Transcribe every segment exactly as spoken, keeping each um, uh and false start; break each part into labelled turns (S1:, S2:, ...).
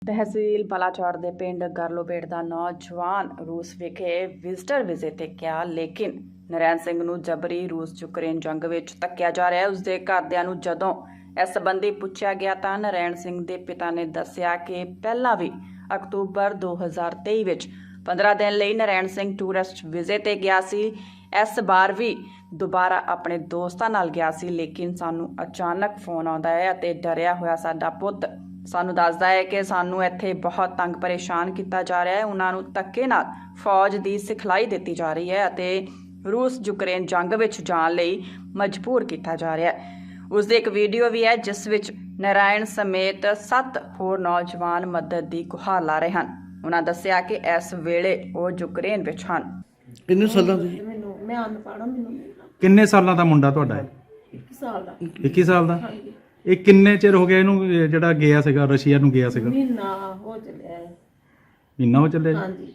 S1: ਤਹਿਸੀਲ ਬਲਾਚੌਰ ਦੇ ਪਿੰਡ ਗਰਲੋਬੇਟ ਦਾ ਨੌਜਵਾਨ ਰੂਸ ਵਿਖੇ ਵਿਜ਼ਟਰ ਵੀਜ਼ੇ ਤੇ ਗਿਆ, ਲੇਕਿਨ ਨਰੈਣ ਸਿੰਘ ਨੂੰ ਜਬਰੀ ਰੂਸ ਯੂਕਰੇਨ ਜੰਗ ਵਿੱਚ ਧੱਕਿਆ ਜਾ ਰਿਹਾ ਹੈ। ਉਸਦੇ ਘਰਦਿਆਂ ਨੂੰ ਜਦੋਂ ਇਸ ਸੰਬੰਧੀ ਪੁੱਛਿਆ ਗਿਆ ਤਾਂ ਨਰੈਣ ਸਿੰਘ ਦੇ ਪਿਤਾ ਨੇ ਦੱਸਿਆ ਕਿ ਪਹਿਲਾਂ ਵੀ ਅਕਤੂਬਰ ਦੋ ਹਜ਼ਾਰ ਤੇਈ ਵਿੱਚ ਪੰਦਰਾਂ ਦਿਨ ਲਈ ਨਰੈਣ ਸਿੰਘ ਟੂਰਿਸਟ ਵੀਜ਼ੇ ਤੇ ਗਿਆ ਸੀ। ਇਸ ਵਾਰ ਵੀ ਦੁਬਾਰਾ ਆਪਣੇ ਦੋਸਤਾਂ ਨਾਲ ਗਿਆ ਸੀ, ਲੇਕਿਨ ਸਾਨੂੰ ਅਚਾਨਕ ਫੋਨ ਆਉਂਦਾ ਹੈ ਅਤੇ ਡਰਿਆ ਹੋਇਆ ਸਾਡਾ ਪੁੱਤ ਸਾਨੂੰ ਦੱਸਦਾ ਹੈ ਕਿ ਸਾਨੂੰ ਇੱਥੇ ਬਹੁਤ ਤੰਗ ਪਰੇਸ਼ਾਨ ਕੀਤਾ ਜਾ ਰਿਹਾ ਹੈ। ਉਹਨਾਂ ਨੂੰ ਧੱਕੇ ਨਾਲ ਫੌਜ ਦੀ ਸਿਖਲਾਈ ਦਿੱਤੀ ਜਾ ਰਹੀ ਹੈ ਅਤੇ ਰੂਸ ਯੂਕਰੇਨ ਜੰਗ ਵਿੱਚ ਜਾਣ ਲਈ ਮਜਬੂਰ ਕੀਤਾ ਜਾ ਰਿਹਾ ਹੈ। ਉਸ ਦੀ ਇੱਕ ਵੀਡੀਓ ਵੀ ਹੈ ਜਿਸ ਵਿੱਚ ਨਰਾਇਣ ਸਮੇਤ ਸੱਤ ਹੋਰ ਨੌਜਵਾਨ ਮਦਦ ਦੀ ਗੁਹਾਰ ਲਾ ਰਹੇ ਹਨ। ਉਹਨਾਂ ਦੱਸਿਆ ਕਿ ਇਸ ਵੇਲੇ ਉਹ ਯੂਕਰੇਨ ਵਿੱਚ ਹਨ।
S2: ਕਿੰਨੇ ਸਾਲਾਂ ਦੇ?
S3: ਮੈਨੂੰ ਮੈਂ ਅਨਪੜ੍ਹ ਮੈਨੂੰ
S2: ਕਿੰਨੇ ਸਾਲਾਂ ਦਾ ਮੁੰਡਾ ਤੁਹਾਡਾ ਹੈ?
S3: ਇੱਕ ਸਾਲ ਦਾ।
S2: ਇੱਕੀ ਸਾਲ ਦਾ?
S3: ਹਾਂਜੀ।
S2: ਇਹ ਕਿੰਨੇ ਚਿਰ ਹੋ ਗਿਆ ਇਹਨੂੰ ਇਹ ਜਿਹੜਾ ਗਿਆ ਸੀਗਾ ਰਸ਼ੀਆ ਨੂੰ ਗਿਆ ਸੀਗਾ?
S3: ਮਹੀਨਾ ਹੋ ਚੱਲਿਆ ਹੈ।
S2: ਮਹੀਨਾ ਹੋ ਚੱਲਿਆ ਜੀ?
S3: ਹਾਂਜੀ।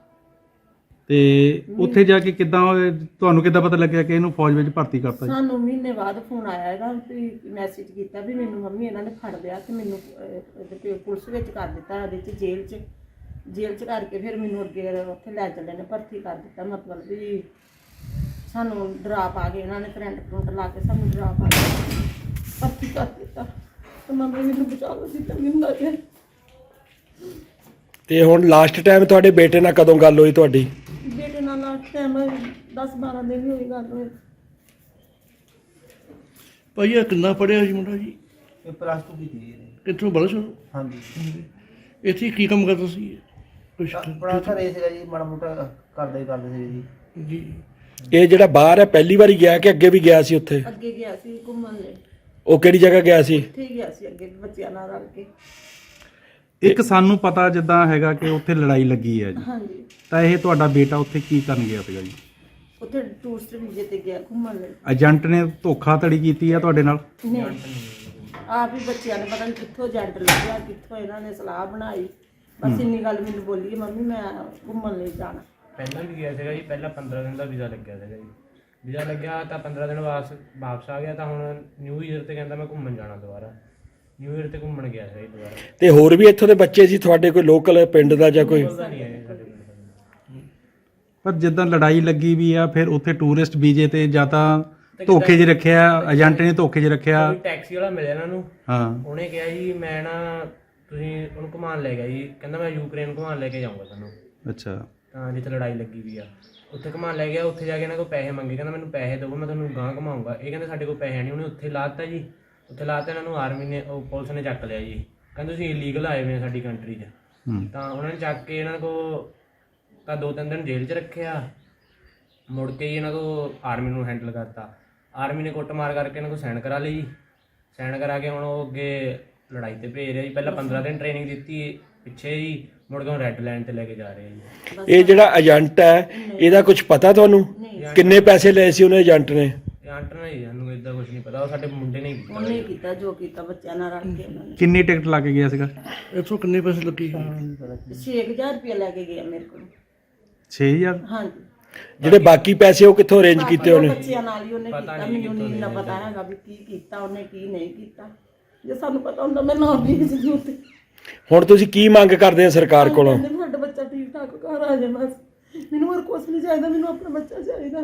S2: ਤੇ ਉੱਥੇ ਜਾ ਕੇ ਕਿੱਦਾਂ ਤੁਹਾਨੂੰ ਕਿੱਦਾਂ ਪਤਾ ਲੱਗਿਆ ਕਿ ਇਹਨੂੰ ਫੌਜ ਵਿੱਚ ਭਰਤੀ ਕਰਤਾ ਜੀ?
S3: ਸਾਨੂੰ ਮਹੀਨੇ ਬਾਅਦ ਫੋਨ ਆਇਆ ਇਹਦਾ ਵੀ ਮੈਸੇਜ ਕੀਤਾ ਵੀ ਮੈਨੂੰ ਮੰਮੀ ਇਹਨਾਂ ਨੇ ਫੜ ਲਿਆ ਤੇ ਮੈਨੂੰ ਇਹਦੇ ਪੁਲਿਸ ਵਿੱਚ ਕਰ ਦਿੱਤਾ, ਇਹਦੇ ਚ ਜੇਲ੍ਹ ਚ ਜੇਲ੍ਹ ਚ ਕਰਕੇ ਫਿਰ ਮੈਨੂੰ ਅੱਗੇ ਉੱਥੇ ਲੈ ਚੱਲੇ ਨੇ ਭਰਤੀ ਕਰ ਦਿੱਤਾ। ਮਤਲਬ ਵੀ ਸਾਨੂੰ ਡਰਾ ਪਾ ਕੇ ਇਹਨਾਂ ਨੇ ਕਰੰਟ ਕਰੰਟ ਲਾ ਕੇ ਸਾਨੂੰ ਡਰਾ ਪਾ ਕੇ ਭਰਤੀ ਕਰ ਦਿੱਤਾ ਤੇ ਮੰਮੀ ਮੈਨੂੰ ਬਚਾ ਲਓ ਦਿੱਤਾ ਮੈਨੂੰ ਲੱਗੇ।
S4: ਤੇ ਹੁਣ ਲਾਸਟ ਟਾਈਮ ਤੁਹਾਡੇ ਬੇਟੇ ਨਾਲ ਕਦੋਂ ਗੱਲ ਹੋਈ ਤੁਹਾਡੀ?
S3: ਬੇਟੇ ਨਾਲ ਲਾਸਟ ਟਾਈਮ ਦਸ ਬਾਰਾਂ ਦਿਨ ਹੀ ਹੋਈ ਗੱਲ ਹੋਈ।
S5: ਭਾਈ ਇਹ ਕਿੰਨਾ ਪੜ੍ਹਿਆ ਜੀ ਮੁੰਡਾ ਜੀ?
S6: ਇਹ ਪਲੱਸ ਟੂ ਕੀਤੀ ਜੀ ਇਹਨੇ।
S5: ਕਿੱਥੋਂ ਬਲਸ਼?
S6: ਹਾਂਜੀ।
S5: ਇੱਥੇ ਕੀ ਕੰਮ ਕਰਦਾ ਸੀ? ਕੁਛ
S6: ਆਪਣਾ ਘਰ ਇਹ ਸੀਗਾ ਜੀ, ਮਾੜਾ ਮੋਟਾ ਕਰਦੇ ਹੀ ਕਰਦੇ ਸੀ ਜੀ।
S5: ਜੀ।
S4: ਇਹ ਜਿਹੜਾ ਬਾਹਰ ਹੈ ਪਹਿਲੀ ਵਾਰੀ ਗਿਆ ਕਿ ਅੱਗੇ ਵੀ ਗਿਆ ਸੀ ਉੱਥੇ?
S3: ਅੱਗੇ ਗਿਆ ਸੀ ਘੁੰਮਣ ਲਈ।
S4: ਉਹ ਕਿਹੜੀ ਜਗ੍ਹਾ ਗਿਆ ਸੀ?
S3: ਉੱਥੇ ਗਿਆ ਸੀ ਅੱਗੇ ਬੱਚਿਆਂ ਨਾਲ ਰਲ ਕੇ।
S2: ਇੱਕ ਸਾਨੂੰ ਪਤਾ ਜਿੱਦਾਂ ਹੈਗਾ ਕਿ ਉੱਥੇ ਲੜਾਈ ਲੱਗੀ ਹੈ ਜੀ,
S3: ਹਾਂਜੀ।
S2: ਤਾਂ ਇਹ ਤੁਹਾਡਾ ਬੇਟਾ ਉੱਥੇ ਕੀ ਕਰਨ ਗਿਆ ਸੀਗਾ ਜੀ?
S3: ਉੱਥੇ ਟੂਰਿਸਟ ਵੀਜ਼ੇ ਤੇ ਗਿਆ ਘੁੰਮਣ ਲਈ।
S2: ਏਜੰਟ ਨੇ ਧੋਖਾਧੜੀ ਕੀਤੀ ਹੈ ਤੁਹਾਡੇ ਨਾਲ?
S3: ਨਹੀਂ, ਆਪ ਹੀ ਬੱਚਿਆਂ ਨੇ ਪਤਾ ਨਹੀਂ ਕਿੱਥੋਂ ਏਜੰਟ ਲੱਗਿਆ, ਕਿੱਥੋਂ ਇਹਨਾਂ ਨੇ ਸਲਾਹ ਬਣਾਈ। ਬਸ ਇੰਨੀ ਗੱਲ ਮੈਨੂੰ ਬੋਲੀ ਕਿ ਮੰਮੀ ਮੈਂ ਘੁੰਮਣ ਲਈ ਜਾਣਾ।
S7: ਪਹਿਲਾਂ ਵੀ ਗਿਆ ਸੀਗਾ ਜੀ, ਪਹਿਲਾਂ ਪੰਦਰਾਂ ਦਿਨ ਦਾ ਵੀਜ਼ਾ ਲੱਗਿਆ ਸੀਗਾ ਜੀ। ਵੀਜ਼ਾ ਲੱਗਿਆ ਤਾਂ ਪੰਦਰਾਂ ਦਿਨ ਵਾਪਸ ਵਾਪਸ ਆ ਗਿਆ, ਤਾਂ ਹੁਣ ਨਿਊ ਈਅਰ ਤੇ ਕਹਿੰਦਾ ਮੈਂ ਘੁੰਮਣ ਜਾਣਾ ਦੁਬਾਰਾ। ਨਿਊ ਈਅਰ ਤੇ ਘੁੰਮਣ ਗਿਆ ਸੀ ਦੁਬਾਰਾ।
S4: ਤੇ ਹੋਰ ਵੀ ਇੱਥੋਂ ਦੇ ਬੱਚੇ ਸੀ ਤੁਹਾਡੇ, ਕੋਈ ਲੋਕਲ ਪਿੰਡ ਦਾ ਜਾਂ ਕੋਈ?
S7: ਉਹਦਾ ਨਹੀਂ ਹੈ ਸਾਡੇ ਪਿੰਡ ਦਾ।
S2: ਪਰ ਜਿੱਦਾਂ ਲੜਾਈ ਲੱਗੀ ਵੀ ਆ, ਫਿਰ ਉੱਥੇ ਟੂਰਿਸਟ ਵੀਜ਼ੇ ਤੇ ਜਾਂ ਤਾਂ ਧੋਖੇ 'ਚ ਰੱਖਿਆ, ਏਜੰਟ ਨੇ ਧੋਖੇ 'ਚ ਰੱਖਿਆ।
S7: ਕੋਈ ਟੈਕਸੀ ਵਾਲਾ ਮਿਲਿਆ ਇਹਨਾਂ ਨੂੰ।
S2: ਹਾਂ।
S7: ਉਹਨੇ ਕਿਹਾ ਜੀ ਮੈਂ ਨਾ ਤੁਸੀਂ ਉਹਨੂੰ ਘੁਮਾਉਣ ਲੈ ਗਿਆ ਜੀ, ਕਹਿੰਦਾ ਮੈਂ ਯੂਕਰੇਨ ਘੁਮਾਉਣ ਲੈ ਕੇ ਜਾਊਂਗਾ ਤੁਹਾਨੂੰ।
S2: ਅੱਛਾ।
S7: ਤਾਂ ਜਿੱਥੇ ਲੜਾਈ ਲੱਗੀ ਵੀ ਆ ਉੱਥੇ ਘੁਮਾਉਣ ਲੈ ਗਿਆ। ਉੱਥੇ ਜਾ ਕੇ ਇਹਨਾਂ ਕੋਲ ਪੈਸੇ ਮੰਗੇ, ਕਹਿੰਦਾ ਮੈਨੂੰ ਪੈਸੇ ਦਿਓ ਮੈਂ ਤੁਹਾਨੂੰ ਗਾਂਹ ਘੁਮਾਊਂਗਾ। ਇਹ ਕਹਿੰਦੇ ਸਾਡੇ ਕੋਲ ਪੈਸੇ ਨਹੀਂ। ਉਹਨੇ ਉੱਥੇ ਲਾਤਾ ਜੀ, ਉੱਥੇ ਲਾਤਾ ਇਹਨਾਂ ਨੂੰ ਆਰਮੀ ਨੇ ਉਹ ਪੁਲਿਸ ਨੇ ਚੱਕ ਲਿਆ ਜੀ। ਕਹਿੰਦੇ ਤੁਸੀਂ ਇਲੀਗਲ ਆਏ ਹੋਏ ਸਾਡੀ ਕੰਟਰੀ 'ਚ। ਤਾਂ ਉਹਨਾਂ ਨੇ ਚੱਕ ਕੇ ਇਹਨਾਂ ਕੋਲ ਤਾਂ ਦੋ ਤਿੰਨ ਦਿਨ ਜੇਲ੍ਹ 'ਚ ਰੱਖਿਆ। ਮੁੜ ਕੇ ਜੀ ਇਹਨਾਂ ਕੋਲ ਆਰਮੀ ਨੂੰ ਹੈਂਡਲ ਕਰਤਾ। ਆਰਮੀ ਨੇ ਕੁੱਟਮਾਰ ਕਰਕੇ ਇਹਨਾਂ ਕੋਲ ਸਾਈਨ ਕਰਾ ਲਈ। ਸਾਈਨ ਕਰਾ ਕੇ ਹੁਣ ਉਹ ਅੱਗੇ ਲੜਾਈ ਤੇ ਭੇਜ ਰਿਹਾ ਜੀ। ਪਹਿਲਾਂ ਪੰਦਰਾਂ ਦਿਨ ਟ੍ਰੇਨਿੰਗ ਦਿੱਤੀ ਪਿੱਛੇ ਜੀ, ਮੁੜ ਕੇ ਹੁਣ ਰੈੱਡ ਲਾਈਨ ਤੇ ਲੈ ਕੇ ਜਾ ਰਹੇ ਜੀ।
S4: ਇਹ ਜਿਹੜਾ ਏਜੰਟ ਹੈ ਇਹਦਾ ਕੁਝ ਪਤਾ ਤੁਹਾਨੂੰ? ਕਿੰਨੇ ਪੈਸੇ ਲਏ ਸੀ ਉਹਨੇ ਏਜੰਟ ਨੇ?
S7: ਏਜੰਟ ਨੇ ਜੀ, ਸਾਨੂੰ ਇਦਾਂ ਕੁਝ ਨਹੀਂ ਪਤਾ। ਉਹ ਸਾਡੇ ਮੁੰਡੇ ਨੇ ਹੀ ਕੀਤਾ।
S3: ਉਹਨੇ ਕੀਤਾ ਜੋ ਕੀਤਾ ਬੱਚਿਆਂ ਨਾਲ ਰਲ ਕੇ ਉਹਨਾਂ ਨੇ।
S2: ਕਿੰਨੀ ਟਿਕਟ ਲਾ ਕੇ ਗਿਆ ਸੀਗਾ?
S5: ਇੱਥੋਂ ਕਿੰਨੇ ਪੈਸੇ ਲੱਗੇ?
S3: ਛੇ ਹਜ਼ਾਰ ਰੁਪਇਆ ਲੈ ਕੇ ਗਿਆ ਮੇਰੇ ਕੋਲ।
S2: ਛੇ ਹਜ਼ਾਰ?
S3: ਹਾਂਜੀ।
S4: ਜਿਹੜੇ ਬਾਕੀ ਪੈਸੇ ਉਹ ਕਿੱਥੋਂ ਅਰੇਂਜ ਕੀਤੇ ਉਹਨੇ?
S3: ਬੱਚਿਆਂ ਨਾਲ ਹੀ ਉਹਨੇ ਕੀਤਾ। ਮੈਨੂੰ ਨਹੀਂ ਇੰਨਾ ਪਤਾ ਹੈਗਾ ਵੀ ਕੀ ਕੀਤਾ ਉਹਨੇ ਕੀ ਨਹੀਂ ਕੀਤਾ। ਜੇ ਸਾਨੂੰ ਪਤਾ ਹੁੰਦਾ ਮੈਂ ਨਾ ਭੇਜ ਦਿੰਦੀ ਉੱਥੇ।
S4: ਹੁਣ ਤੁਸੀਂ ਕੀ ਮੰਗ ਕਰਦੇ ਆ ਸਰਕਾਰ ਕੋਲੋਂ?
S3: ਕਹਿੰਦੇ ਸਾਡਾ ਬੱਚਾ ਠੀਕ ਠਾਕ ਘਰ ਆ ਜਾਏ ਬਸ। ਮੈਨੂੰ ਹੋਰ ਕੁਝ ਨਹੀਂ ਚਾਹੀਦਾ, ਮੈਨੂੰ ਆਪਣਾ ਬੱਚਾ ਚਾਹੀਦਾ।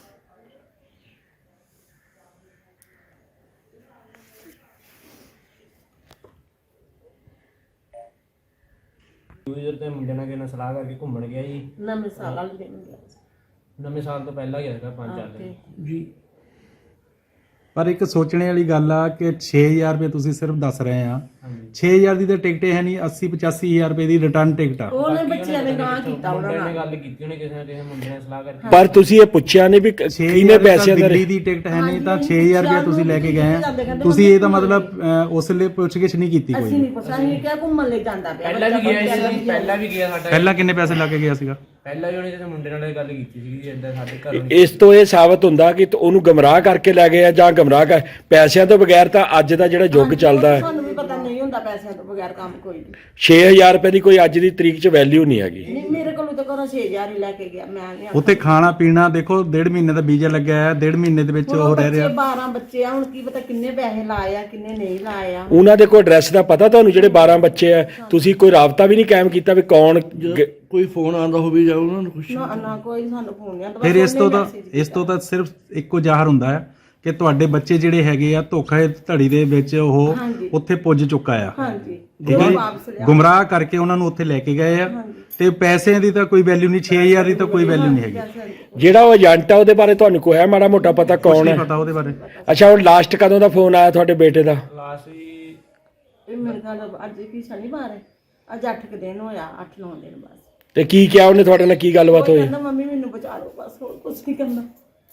S7: ਨਿਊ ਈਅਰ ਤੇ ਮੁੰਡੇ ਨਾਲ ਕਿਹਨਾਂ ਸਲਾਹ ਕਰਕੇ ਘੁੰਮਣ ਗਿਆ ਜੀ।
S3: ਨਵੇਂ ਸਾਲ ਵਾਲੇ ਦਿਨ ਗਿਆ ਸੀ।
S7: ਨਵੇਂ ਸਾਲ ਤੋਂ ਪਹਿਲਾਂ ਗਿਆ ਸੀਗਾ ਪੰਜ ਚਾਰ ਦਿਨ।
S5: ਜੀ।
S2: ਪਰ ਇੱਕ ਸੋਚਣੇ ਵਾਲੀ ਗੱਲ ਆ ਕਿ ਛੇ ਹਜ਼ਾਰ ਰੁਪਏ ਤੁਸੀਂ ਸਿਰਫ ਦੱਸ ਰਹੇ ਆ।
S7: ਹਾਂਜੀ।
S2: ਛੇ ਹਜ਼ਾਰ ਦੀ ਤਾਂ ਟਿਕਟ ਹੈ ਨਹੀਂ, ਅੱਸੀ ਪਚਾਸੀ ਹਜ਼ਾਰ ਰੁਪਏ ਦੀ ਰਿਟਰਨ ਟਿਕਟ ਆ।
S3: ਉਹਨੇ ਬੱਚਿਆਂ ਨੇ ਗਾਂ ਕੀਤਾ ਉਹਨਾਂ
S7: ਮੁੰਡੇ ਨੇ
S3: ਨਾਲ।
S7: ਗੱਲ ਕੀਤੀ ਉਹਨੇ ਕਿਸੇ ਨਾ ਕਿਸੇ ਮੁੰਡੇ ਨਾਲ ਸਲਾਹ ਕਰਕੇ।
S4: ਪਰ ਤੁਸੀਂ ਇਹ ਪੁੱਛਿਆ ਨਹੀਂ ਵੀ ਕਿੰਨੇ ਪੈਸਿਆਂ ਦਾ?
S2: ਦਿੱਲੀ ਦੀ ਟਿਕਟ ਹੈ ਨਹੀਂ ਤਾਂ ਛੇ ਹਜ਼ਾਰ ਰੁਪਏ ਤੁਸੀਂ ਲੈ ਕੇ ਗਏ ਆ। ਤੁਸੀਂ ਇਹ ਤਾਂ ਮਤਲਬ ਅਹ, ਉਸ ਲਈ ਪੁੱਛਗਿੱਛ ਨਹੀਂ ਕੀਤੀ
S3: ਅਸੀਂ
S2: ਕੋਈ?
S3: ਨਹੀਂ ਪੁੱਛਿਆ, ਅਸੀਂ ਕਿਹਾ ਘੁੰਮਣ ਲਈ ਜਾਂਦਾ ਪਿਆ।
S7: ਪਹਿਲਾਂ ਵੀ ਗਿਆ ਸੀ, ਪਹਿਲਾਂ ਵੀ ਗਿਆ ਸਾਡਾ।
S2: ਪਹਿਲਾਂ ਕਿੰਨੇ ਪੈਸੇ ਲਾ ਕੇ ਗਿਆ ਸੀਗਾ?
S7: ਪਹਿਲਾਂ ਵੀ ਉਹਨੇ ਕਿਸੇ ਮੁੰਡੇ ਨਾਲ ਇਹ ਗੱਲ ਕੀਤੀ ਸੀ ਕਿ ਇਦਾਂ ਸਾਡੇ ਘਰੋਂ
S4: ਇਸ ਤੋਂ ਇਹ ਸਾਬਤ ਹੁੰਦਾ ਕਿ ਉਹਨੂੰ ਗਮਰਾਹ ਕਰਕੇ ਲੈ ਗਏ ਆ ਜਾਂ ਗਮਰਾਹ ਕਰ ਪੈਸਿਆਂ ਤੋਂ ਬਗੈਰ ਤਾਂ ਅੱਜ ਦਾ ਜਿਹੜਾ ਯੁੱਗ ਚੱਲਦਾ ਹੈ
S3: ਸਾਨੂੰ ਵੀ ਪਤਾ ਨਹੀਂ ਹੁੰਦਾ ਪੈਸਿਆਂ ਤੋਂ ਬਗੈਰ ਕੰਮ ਕੋਈ ਨਹੀਂ।
S4: ਛੇ ਹਜ਼ਾਰ ਰੁਪਏ ਦੀ ਕੋਈ ਅੱਜ ਦੀ ਤਰੀਕ 'ਚ ਵੈਲਿਊ ਨਹੀਂ ਹੈਗੀ।
S3: ਨਹੀਂ ਮੇਰੇ ਕੋਲ ਮੈਨੂੰ ਤਾਂ ਘਰੋਂ ਛੇ ਹਜ਼ਾਰ ਹੀ ਲੈ ਕੇ ਗਿਆ, ਮੈਂ ਨਹੀਂ
S2: ਉੱਥੇ ਖਾਣਾ ਪੀਣਾ ਦੇਖੋ ਡੇਢ ਮਹੀਨੇ ਦਾ ਵੀਜ਼ਾ ਲੱਗਿਆ ਹੈ, ਡੇਢ ਮਹੀਨੇ ਦੇ ਵਿੱਚ ਉਹ ਰਹਿ ਰਿਹਾ।
S3: ਬਾਰਾਂ ਬੱਚੇ ਆ, ਹੁਣ ਕੀ ਪਤਾ ਕਿੰਨੇ ਪੈਸੇ ਲਾਏ ਆ ਕਿੰਨੇ ਨਹੀਂ ਲਾਏ ਆ।
S4: ਉਹਨਾਂ ਦੇ ਕੋਈ ਐਡਰੈਸ ਦਾ ਪਤਾ ਤੁਹਾਨੂੰ ਜਿਹੜੇ ਬਾਰਾਂ ਬੱਚੇ ਆ? ਤੁਸੀਂ ਕੋਈ ਰਾਬਤਾ ਵੀ ਨਹੀਂ ਕਾਇਮ ਕੀਤਾ ਵੀ ਕੌਣ ਗ-
S5: ਕੋਈ ਫੋਨ ਆਉਂਦਾ ਹੋਵੇ ਜਾਂ ਉਹਨਾਂ ਨੂੰ ਕੁਛ?
S3: ਨਾ ਨਾ ਕੋਈ ਸਾਨੂੰ ਫੋਨ ਨਹੀਂ ਆਉਂਦਾ।
S2: ਫਿਰ ਇਸ ਤੋਂ ਤਾਂ ਇਸ ਤੋਂ ਤਾਂ ਸਿਰਫ ਇੱਕੋ ਜ਼ਾਹਰ ਹੁੰਦਾ ਹੈ ਕਿ ਤੁਹਾਡੇ ਬੱਚੇ ਜਿਹੜੇ ਹੈਗੇ ਆ ਧੋਖਾ ਧੜੀ ਦੇ ਵਿੱਚ ਉਹ
S3: ਹਾਂਜੀ।
S2: ਉੱਥੇ ਪੁੱਜ ਚੁੱਕਾ ਆ।
S3: ਹਾਂਜੀ
S2: ਠੀਕ ਹੈ
S3: ਉਹ
S2: ਜੀ?
S3: ਵਾਪਸ ਲਿਆ।
S2: ਗੁੰਮਰਾਹ ਕਰਕੇ ਉਹਨਾਂ ਨੂੰ ਉੱਥੇ ਲੈ ਕੇ ਗਏ ਆ ਤੇ ਪੈਸਿਆਂ ਦੀ ਤਾਂ ਕੋਈ ਵੈਲਿਊ ਨਹੀਂ, ਛੇ ਹਜ਼ਾਰ ਦੀ ਤਾਂ ਕੋਈ ਵੈਲਿਊ ਨਹੀਂ ਹੈਗੀ।
S4: ਜਿਹੜਾ ਉਹ ਏਜੰਟ ਆ ਉਹਦੇ ਬਾਰੇ ਤੁਹਾਨੂੰ ਕੋਈ ਹੈ ਮਾੜਾ ਮੋਟਾ ਪਤਾ
S2: ਕੁਛ
S4: ਕੌਣ
S2: ਨਹੀਂ
S4: ਹੈ?
S2: ਪਤਾ ਉਹਦੇ ਬਾਰੇ।
S4: ਅੱਛਾ ਹੁਣ ਲਾਸਟ ਕਦੋਂ ਦਾ ਫੋਨ ਆਇਆ ਤੁਹਾਡੇ ਬੇਟੇ ਦਾ?
S7: ਲਾਸਟ ਜੀ
S3: ਇਹ ਮੇਰੇ ਖਿਆਲ ਅੱਜ ਕੀ ਸ਼ਨੀਵਾਰ ਹੈ, ਅੱਜ ਅੱਠ ਕੁ ਦਿਨ ਹੋਇਆ, ਅੱਠ ਨੌ ਦਿਨ ਬਸ।
S4: ਤੇ ਕੀ ਕਿਹਾ ਉਹਨੇ ਤੁਹਾਡੇ ਨਾਲ, ਕੀ ਗੱਲਬਾਤ
S3: ਉਹ
S4: ਹੋਈ?
S3: ਕਹਿੰਦਾ ਮੰਮੀ ਮੈਨੂੰ ਬਚਾ ਲਓ ਬਸ, ਹੋਰ ਕੁਝ ਨਹੀਂ ਕਰਨਾ।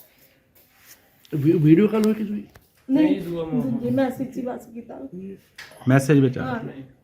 S5: ਵੀ- ਵੀਡੀਓ ਕਾਲ ਹੋਈ ਕਿ ਤੁਸੀਂ?
S3: ਨਹੀਂ ਦੂਜੀ ਮੈਸੇਜ ਹੀ ਬਸ ਕੀਤਾ।
S2: ਮੈਸੇਜ ਵਿੱਚ ਆ
S3: ਹਾਂ